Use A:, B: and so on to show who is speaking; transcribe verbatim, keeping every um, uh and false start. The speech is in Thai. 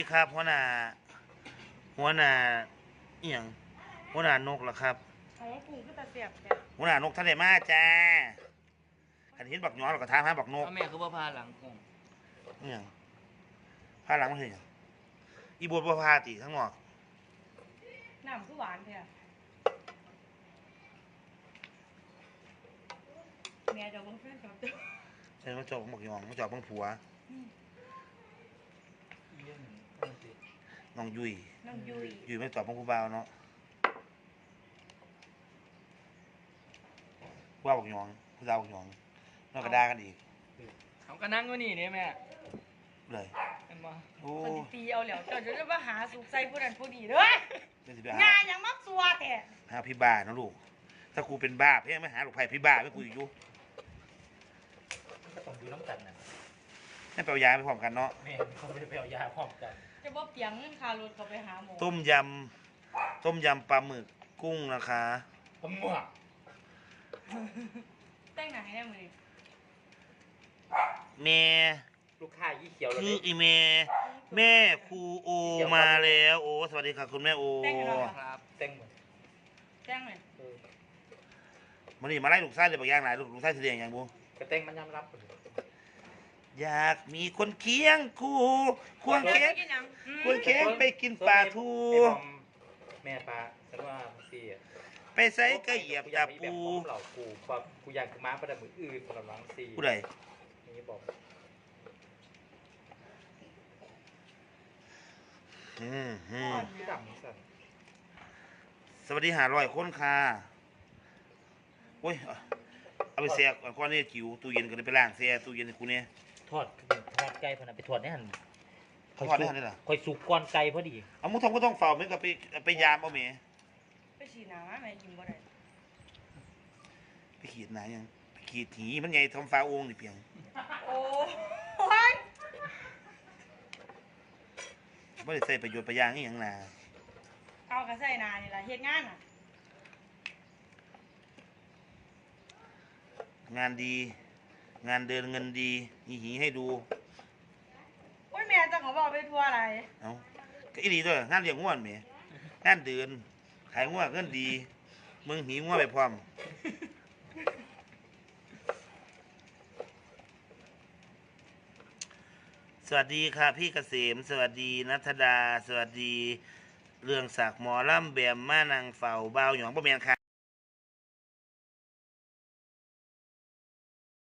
A: ครับหัวหน้าหัวหน้าเอียงหัวหน้านกเหรอครับ
B: โอ้กุ้งก็ตะเสียบเนี่ย
A: หัวหน้านกท่านได้มาจ้าอันนี้บักย้อนเราก็ถามหาบักนก
C: พ่อแม่คือพ่อพาหลังคง
A: เอียงพาหลังมันเห็นยังอีบัวบัวพาตีทั้งหมด
B: น้ำคือหวานเถอะแม่จะบังเพื่อนกับเจ้า
A: ใช่มาจอบบักย้อนมาจอบบังผัวน้องยุย
B: น้องยุย
A: ยุยไม่จอบบังผู้บ่าวเนาะว่าบักย้อนผู้สาวบักย้อนนอกกระดากันอีก
C: เขาก็นั่งอยู่นี่เนี่ยแม่
A: เลย
C: เห็นบ่
A: โอ้
B: คนตีเอาแล้วเจ้าจะมาหาสุกใส่ผู้นั้นผู้นี้เด้องานยังมักสัวแต่
A: หาพี่บ้านะลูกถ้ากูเป็นบ้าเพี่ไม่หาลูกไผ่พี่บ้าไม่กูอยู่
C: ก็ต้องดูน้ำกันนะ
A: ให้ไปเอายาไปพร้อมกันเนาะ
C: แม่เขาไม่ได้ไปเอายาพร้อมกัน
B: จะบ่เปียงเงินคารถเขาไปหาหมอ
A: ต้มยำต้มยำปลาหมึกกุ้งนะคะ
C: ปลาหมึก
B: แต่งหนังให้ได้มือ
A: แม่
C: ลูกค้ายี่เขียว
A: คืออีเมแม่ครูโอมาแล้วโอสวัสดีค่ะคุณแม่โอ
C: ครับแต่งหมด
B: แต่งเลย
A: มันนี่มาไล่ลูกไส้เลยบางอย่างไหนลูกลูกไส้เสียงอย่างบู
C: กระแต่งมันยำรับ
A: อยากมีคนเคียงคู่ควงเค้กควงเค้กไปกินปลาทู
C: แม่ปลาฉันว่าสี่
A: ไปใส่กระเหยียบยาปู
C: เหล่าปูความกูอยากม้าประดับมืออื่นประดับล้างสี่
A: ผู้ใด
C: นี่บอก
A: อืมอืมสวัสดีหาร้อยคนค่ะโอ้ยเอาไปแช่ก่อนนี่จิ๋วตู้เย็นก็เลยไปล้างแช่ตู้เย็นกูเนี่ย
C: ทอดทอดไก่พนันไปทอดได้หัน
A: ทอดได้หันได้หรอ
C: คอยสุกก้อนไก่พอดี
A: เอามุ้งทองก็ต้องเฝ้าไม่ก็ไปไปยามเอาเมย์
B: ไปฉีดน้ำแม่ยิงบ่ได้
A: ไปขีดไหนยังไปขีดหีมันไงทำฟ้าโอ่งนี่เพียง
B: โอ้ย
A: ไม่ได้ใส่ประโยชน์ประยางนี่อย่างน่ะ
B: เอากระใส่นานี่แหละเฮ็ดงานอ่ะ
A: งานดีงานเดินเงินดีหีหีให้ดู
B: โอ้ยแม่จะขอบอกไปทัวร์อะไร
A: เอ้าก็อีดีด้วยงานเลี้ยงง่วนเมย์งานเดินขายง่วงเงินดีมึงหีง่วงไปพร้อมสวัสดีค่ะพี่เกษมสวัสดีนัทดาสวัสดีเรื่องศักดิ์หมอลำแบมม่านางเฝ้าเบาหยองบ่แม่นค่ะ